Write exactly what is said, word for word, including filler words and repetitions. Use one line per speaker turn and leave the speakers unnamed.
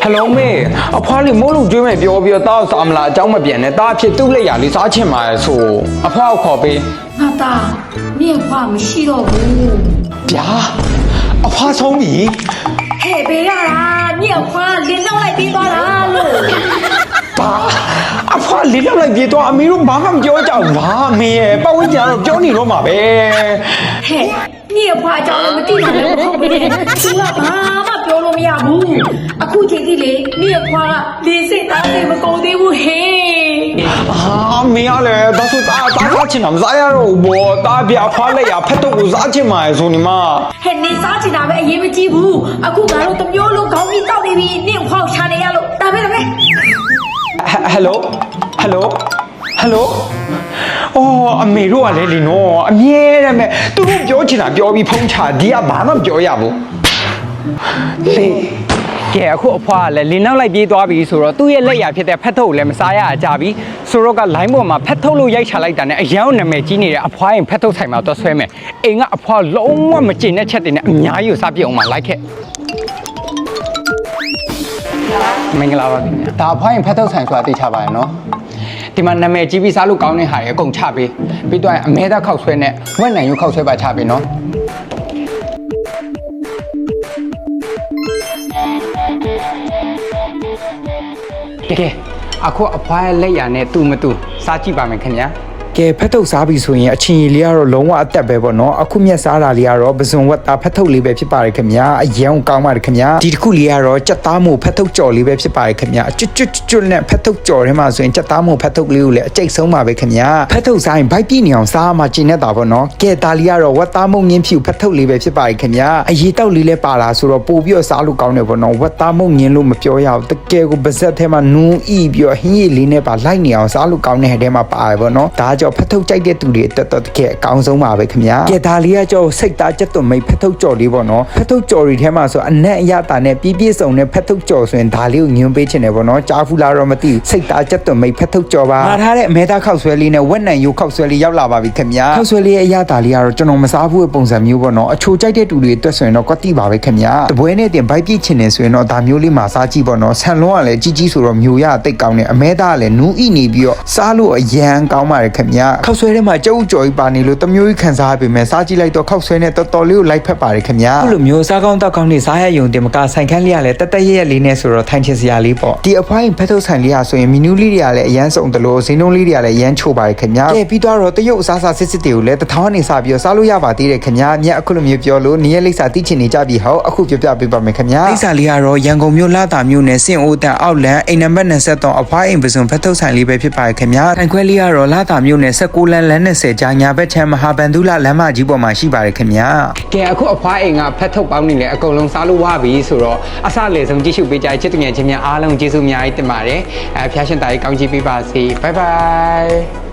Hello 妹，阿婆你冇路追咩表表到三啦，找么变呢？打撇都来呀，你啥钱买说？阿婆好可悲。
阿大，你也话唔系咯不？
别，阿婆聪明。
嘿，别啦，你也话连到来别多啦喽。
爸，阿婆你那来别多，阿妹都马上叫叫哇妹，把我家叫你了嘛呗。
嘿，你也话叫你们地方人好呗，除了爸妈ပြောလို့မရဘူးအခုချိန်ကြီးလေ你也话连စိတ်သားတွေမကုန်သေးဘူးဟဲ့
啊，没呀嘞，但是打打啥钱那啥呀肉不？打别花了呀，拍到我啥钱买说你嘛？
ဟဲ့နေစားချင်တာပဲအရေးမကြီးဘူးအခုငါတို့တစ်မျိုးလုံးခေါင်းကြီးတောက်နေပြီနင့်ခေါင်းချနေရလို့ဒါပဲဒါပဲ
Hello Hello Hello 哦，阿妹တို့ကလည်းလीနော်အမြဲတမ်းပဲသူတို့ပြောချင်တာပြောပြီးဖုံးချဒီကဘာမှမပြောရဘူးလေကဲအခုအဖွားကလည်းလင်းနောက်လိုက်ပြေးသွားပြီဆိုတော့သူ့ရဲ့လက်ရဖြစ်တဲ့ဖက်ထုတ်ကိုလည်းမစားရကြပြီဆိုတော့ကလိုင်းပေါ်မှာဖက်ထုတ်လို့ရိုက်ချလိုက်တာနဲ့အရန်နာမည်ကြီးနေတဲ့အဖွားရင်ဖက်ထုတ်ဆိုင်မှာတော့ဆွဲမယ်အိမ်ကအဖွားလုံးဝမကျင်တဲ့ချက်တွေနဲ့အများကြီးကိုစားပြအောင်မှာလိုက်ခဲ့မင်္ဂလာပါခင်ဗျာဒါအဖွားရင်ဖက်ထုတ်ဆိုင်ဆိုတာသိချပါရဲ့နော်ဒီမှာနာမည်ကြီးပြီးစားလို့ကောင်းတဲ့ဟာတွေအကုန်ချပေးပြီးတော့အမဲသားခောက်ဆွဲနဲ့ဝက်နိုင်ရုပ်ခောက်ဆွဲပါချပေးနော်ကဲအခုအဖွားရဲ့လက်ရနဲ့တူမတူစားကြည့်ပါမယ်ခင်ဗျာကဲဖက်ထုတ်စားပြီဆိုရင်အချင်းကြီးလေးကတော့လုံးဝအသက်ပဲပေါ့နော်အခုမြက်စားတာလေးကတော့ပဇွန်ဝက်သားဖက်ထုတ်လေးပဲဖြစ်ပါတယ်ခင်ဗျာအရန်ကောင်းပါတယ်ခင်ဗျာဒီတစ်ခုလေးကတော့ကြက်သားမို့ဖက်ထုတ်ကြော်လေးပဲဖြစ်ပါတယ်ခင်ဗျာကျွတ်ကျွတ်ကျွတ်နဲ့ဖက်ထုတ်ကြော်ထဲမှာဆိုရင်ကြက်သားမို့ဖက်ထုတ်လေးကိုလည်းအကျိတ်ဆုံးပါပဲခင်ဗျာဖက်ထုတ်စားရင်ဘိုက်ပြည့်နေအောင်စားမှကျင်နေတာပေါ့နော်ကဲဒါလေးကတော့ဝက်သားမုံငင်းဖြူဖက်ထုတ်လေးပဲဖြစ်ပါတယ်ခင်ဗျာအရေးတောက်လေးလည်းပါလာဆိုတော့ပို့ပြီးတော့စားလို့ကောင်းတယ်ပေါ့နော်ဝက်သားမုံငင်းလို့မပြောရဘူးတကယ်ကိုပါဇက်ထဲမှာနူးဤပြီးတော့ဟင်းရည်လေးနဲ့ပါလိုက်နေအောင်စားလို့ကောင်းတဲ့ဟဲ့ထဲမှာပါတယ်ပေါ့နော်ဒါကြောင့်ဖက်ထုတ်ကြိုက်တဲ့သူတွေတက်တော့တကယ်အကောင်းဆုံးပါပဲခင်ဗျာကဲဒါလေးကကြောစိတ်သားကြက်သွန်မိတ်ဖက်ထုတ်ကြော်လေးပေါ့နော်ဖက်ထုတ်ကြော်တွေထဲမှာဆိုအနက်အရတာနဲ့ပြည့်ပြည့်စုံနဲ့ဖက်ထုတ်ကြော်ဆိုရင်ဒါလေးကိုညွှန်းပေးချင်တယ်ပေါ့နော်ကြားဖူးလားတော့မသိဘူးစိတ်သားကြက်သွန်မိတ်ဖက်ထုတ်ကြော်ပါမှာထားတဲ့အမဲသားခောက်ဆွဲလေးနဲ့ဝက်နံရိုးခောက်ဆွဲလေးရောက်လာပါပြီခင်ဗျာခောက်ဆွဲလေးရဲ့အရတာလေးကတော့ကျွန်တော်မစားဘူးတဲ့ပုံစံမျိုးပေါ့နော်အချိုကြိုက်တဲ့သူတွေအတွက်ဆိုရင်တော့ကွက်တိပါပဲခင်ဗျာတပွဲနဲ့တင်ဘိုက်ပြည့်ချင်တယ်ဆိုရင်တော့ဒါမျိုးလေးမှာစားကြည့်ပေါ့နော်ဆန်လုံးကလည်းကြီးကြီးဆိုတော့မျိုးရတိတ်ကောင်းတယ်အမဲသားကလည်းနူးဤနေပြီးတော့စားလို့အရန်ကောင်းပါတယ်ခင်ဗျာခောက်ဆွဲထဲမှာကြုတ်ကြော်ပါနေလို့တမျိုးကြီးခံစားရပေမဲ့စားကြည့်လိုက်တော့ခောက်ဆွဲနဲ့တော်တော်လေးကိုလိုက်ဖက်ပါတယ်ခင်ဗျာအခုလိုမျိုးစားကောင်းတောက်ကောင်းနေစားရယုံတင်မကဆိုင်ခန်းလေးကလည်းတက်တက်ရက်ရက်လေးနဲ့ဆိုတော့ထိုင်ချင်စရာလေးပေါ့ဒီအဖွားရင်ဖက်ထုတ်ဆိုင်လေးကဆိုရင်မီနူးလေးတွေကလည်းအရန်စုံတယ်လို့ဈေးနှုန်းလေးတွေကလည်းအရန်ချိုပါတယ်ခင်ဗျာကဲပြီးတော့တရုတ်အစားစားစစ်စစ်တွေကိုလည်းတထောင်းနေစားပြီးတော့စားလို့ရပါသေးတယ်ခင်ဗျာမြတ်အခုလိုမျိုးပြောလို့နေရလိမ့်စာသိချင်နေကြပြီဟောအခုပြပြပေးပါမယ်ခင်ဗျာလိမ့်စာလေးကတော့ရန်ကုန်မြို့လာတာမြို့နယ်စင်အိုတန်အောက်လန်အိမ်နံပါတ်၂၃အဖွားအိမ်ပစုံဖက်ထုတ်ဆိုင်လေးပဲဖြစ်ပါတယ်ခင်ဗျာထိုင်ခွဲလေးကတော့လာတာမြို့နယ်၁၉လမ်းလမ်း၂၀ကြာညာဘက်ချမ်းမဟာဗန္ဓုလလမ်းမကြီးပေါ်မှာရှိပါတယ်ခင်ဗျာကဲအခုအဖွားအိမ်ကဖက်ထုတ်ပေါင်းနေလေအကုန်လုံးစားလို့ဝပြီဆိုတော့အစလေဆုံးကြည့်ရှုပေးကြချစ်သူငယ်ချင်းများအားလုံးကျေးဇူးအများကြီးတင်ပါတယ်အဲဖျားရှင်တာကြီးကောင်းချီးပေးပါစေဘိုင်ဘိုင်